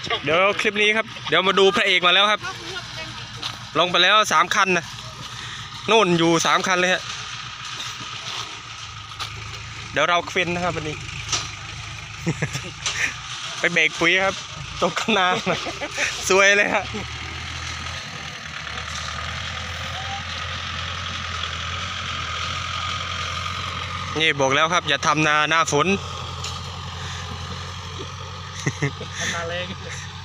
เดี๋ยวคลิปนี้ครับเดี๋ยวมาดูพระเอกมาแล้วครับลงไปแล้ว3 คันนะนู่นอยู่3 คันเลยฮะเดี๋ยวเราเควินนะครับวันนี้ ไปเบรกปุ๋ยครับตกข้างหน้าสวยเลยฮะนี่บอกแล้วครับอย่าทำนาหน้าฝนทำนาแรง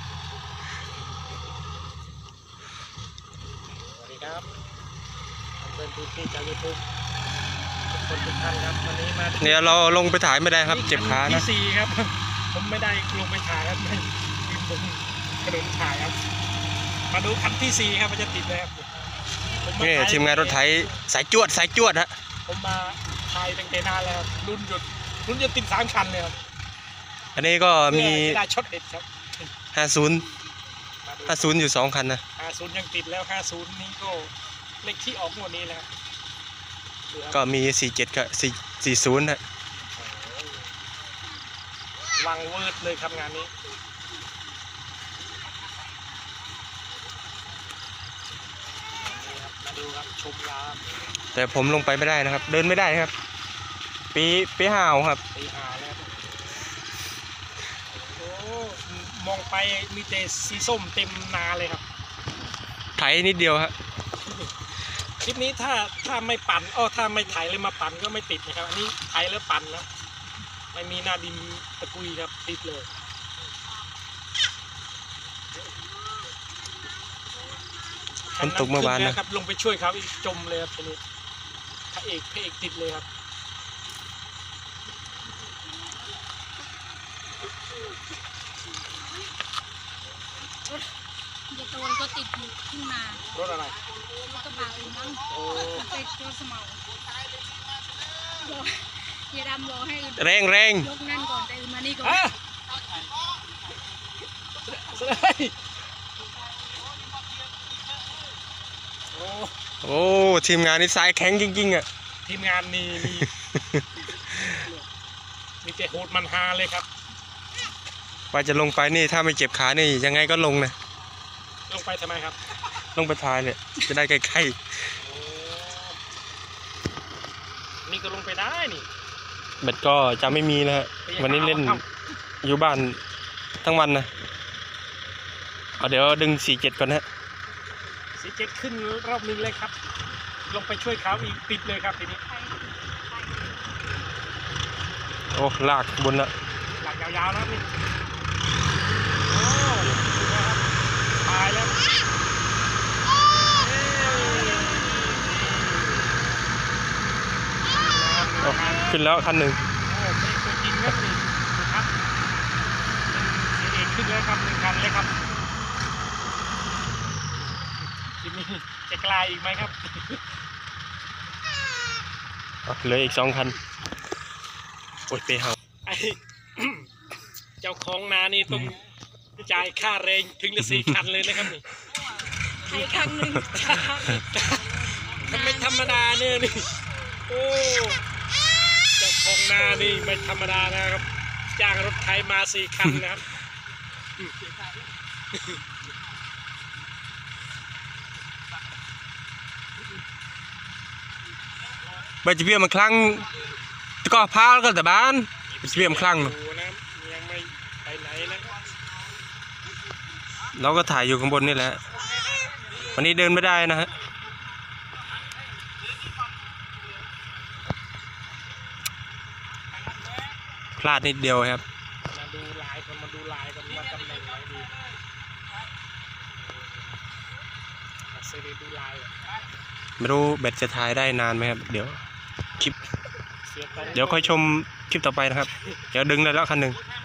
สวัสดีครับเป็นผู้ที่จากยูทูบทุกท่านครับวันนี้มาเนี่ยเราลงไปถ่ายไม่ได้ครับเจ็บขานะที่4ครับผมไม่ได้ลงไปถ่ายครับไม่ยืนบนกระโดดถ่ายครับมาดูคันที่4ครับมันจะติดเลยครับนี่ทีมงานรถไถสายจวดฮะผมมาถ่ายตั้งแต่นานแล้วรุ่นหยุดติด3 คันเลยครับอันนี้ก็มีได้ช็อตเด็ดครับ 50อยู่2 คันนะ 50ยังติดแล้ว50นี้ก็เลขที่ออกงวดนี้แล้วก็มี47กับ40ฮะวังเวิร์ดเลยครับงานนี้มาดูครับชมยามแต่ผมลงไปไม่ได้นะครับเดินไม่ได้ครับปีห่าวครับปีหาแล้วโอ้มองไปมีแต่สีส้มเต็มนาเลยครับไถนิดเดียวครับคลิปนี้ถ้าไม่ปั่นถ้าไม่ไถเลยมาปั่นก็ไม่ติดนะครับอันนี้ไถแล้วปั่นนะไม่มีหน้าดินตะกุยครับติดเลยมันตกเมื่อวานนะครับลงไปช่วยเขาอีกจมเลยครับทีนี้พระเอกติดเลยครับอย่าโดนก็ติดขึ้นมารถอะไรรถกระบะอื่นมั้งเป็นรถสมออย่าดำรอให้แรงยกนั่นก่อนแต่อื่นมานี่ก่อนโอ้ทีมงานนี่สายแข็งจริงๆอ่ะทีมงานนี่มีแต่โหดมันฮาเลยครับว่าจะลงไปนี่ถ้าไม่เจ็บขานี่ยังไงก็ลงนะลงไปทำไมครับลงไปทายเนี่ยจะได้ใกล้ๆนี่ก็ลงไปได้นี่เบ็ดก็จะไม่มีแล้ววันนี้เล่นอยู่บ้านทั้งวันนะเดี๋ยวดึง47ก่อนฮะ 47ขึ้นรอบนึงเลยครับลงไปช่วยเขาอีกติดเลยครับทีนี้โอ้ลากบนละหลักยาวๆนะนี่โอ้นะครับตายแล้วขึ้นแล้วคันหนึ่งตัวจริงครับนี่ครับเองขึ้นแล้วครับ1 คันเลยครับทีนี้จะกลายอีกไหมครับเหลืออีก2 คันโอ้ยไปเห่าเจ้าของนานี่ต้องจ่ายค่าแรงถึงละ4 คันเลยนะครับนี่ไถครั้งหนึ่งไม่ธรรมดาเนี่ยนี่โอ้เจ้าของนานี่ไม่ธรรมดานะครับจ้างรถไถมา4 คันนะครับใบจะเบี้ยมันคลั่งก็พาแล้วก็แต่บ้านจะเบี้ยมันคลั่งยังไม่ไปไหนนะเราก็ถ่ายอยู่ข้างบนนี่แหละวันนี้เดินไม่ได้นะฮะพลาดนิดเดียวครับมาดูลายกันว่าตำแหน่งไหนดีดูลายไม่รู้เบ็ดจะถ่ายได้นานไหมครับเดี๋ยวคลิปเดี๋ยวค่อยชมคลิปต่อไปนะครับเดี๋ยวดึงเลยแล้วคันหนึ่ง